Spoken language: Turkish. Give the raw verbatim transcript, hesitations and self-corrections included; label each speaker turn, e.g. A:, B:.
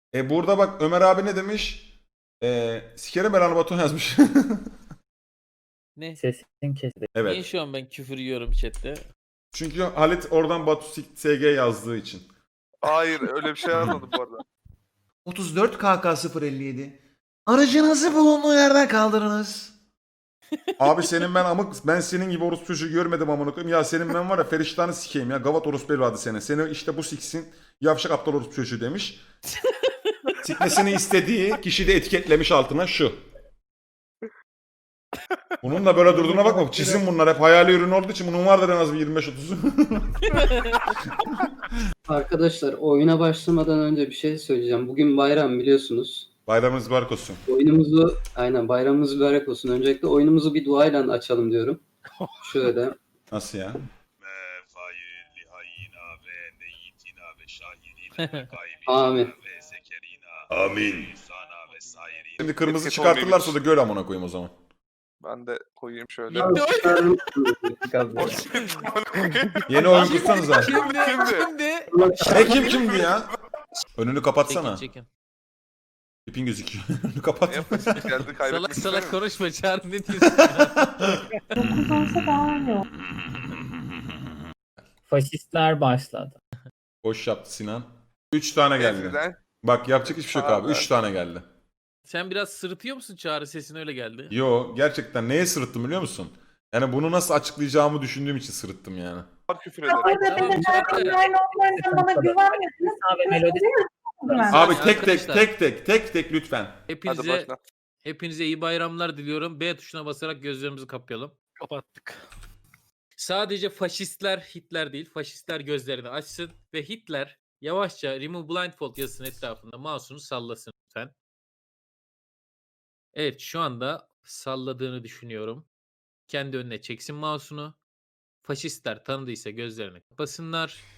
A: E burada bak Ömer abi ne demiş? E, sikerim belanı Batuhan yazmış.
B: Ne?
C: Sesin kesildi.
B: Niye
A: Evet.
B: şu an ben küfür yiyorum chatte?
A: Çünkü Halit oradan Batu S G yazdığı için.
D: Hayır öyle bir şey yazmadım bu arada.
E: otuz dört K K sıfır elli yedi. Aracınızı bulunduğu yerden kaldırınız.
A: Abi senin ben amık ben senin gibi orospu çocuğu görmedim amına koyayım. Ya senin ben var ya feriştahını sikeyim ya. Gavat orospu evladı seni. Seni işte bu siksin. Yavşak aptal orospu çocuğu demiş. Sikmesini istediği kişi de etiketlemiş altına şu. Bunun da böyle durduğuna bakma. Çizim bunlar hep hayali ürün olduğu için bunun vardır en az bir yirmi beş otuz.
F: Arkadaşlar oyuna başlamadan önce bir şey söyleyeceğim. Bugün bayram biliyorsunuz.
A: Bayramınız mübarek olsun.
F: Oyunumuzu aynen bayramımız mübarek olsun. Öncelikle oyunumuzu bir duayla açalım diyorum. Şöyle.
A: Nasıl ya?
F: Amin.
A: Amin. Şimdi kırmızı
D: Etiket
A: çıkartırlarsa da göl amına koyayım o zaman.
D: Ben de koyayım şöyle.
B: Gitti oyun.
A: Yeni oyun kursanıza.
B: Kimdi?
D: Kimdi?
B: Kimdi?
A: Ne kim kimdi ya? Önünü kapatsana.
B: Çekin çekin.
A: İpin gözüküyor. Önünü
D: Ne
A: kapat.
D: yapacağız? Geldi
B: Salak
D: kaybetmek
B: salak
D: istemiyorum.
B: konuşma Çağrı ne diyorsun ya?
C: Faşistler başladı.
A: Boş yaptı Sinan. Üç tane geldi.
D: Eskiden
A: Bak yapacak hiçbir şey yok abi.
D: Abi.
A: Üç tane geldi.
B: Sen biraz sırıtıyor musun Çağrı, sesin öyle geldi.
A: Yo gerçekten neye sırıttım biliyor musun? Yani bunu nasıl açıklayacağımı düşündüğüm için sırıttım yani.
D: var küfür ederim.
G: Orada
B: Tamam,
G: benim
B: Çağrı.
G: online olmayan bana güvenmiyorsunuz.
C: Abi melodi
G: Güven.
A: Abi
B: Yani
A: tek tek
B: arkadaşlar-
A: tek tek tek tek lütfen.
D: Hadi
B: Hepinize
D: başla.
B: hepinize iyi bayramlar diliyorum. B tuşuna basarak gözlerimizi kapayalım. Kapattık. Sadece faşistler Hitler değil, faşistler gözlerini açsın ve Hitler yavaşça Remove Blindfold yazısının etrafında mouse'unu sallasın lütfen. Evet, şu anda salladığını düşünüyorum. Kendi önüne çeksin mouse'unu. Faşistler tanıdıysa gözlerini kapasınlar.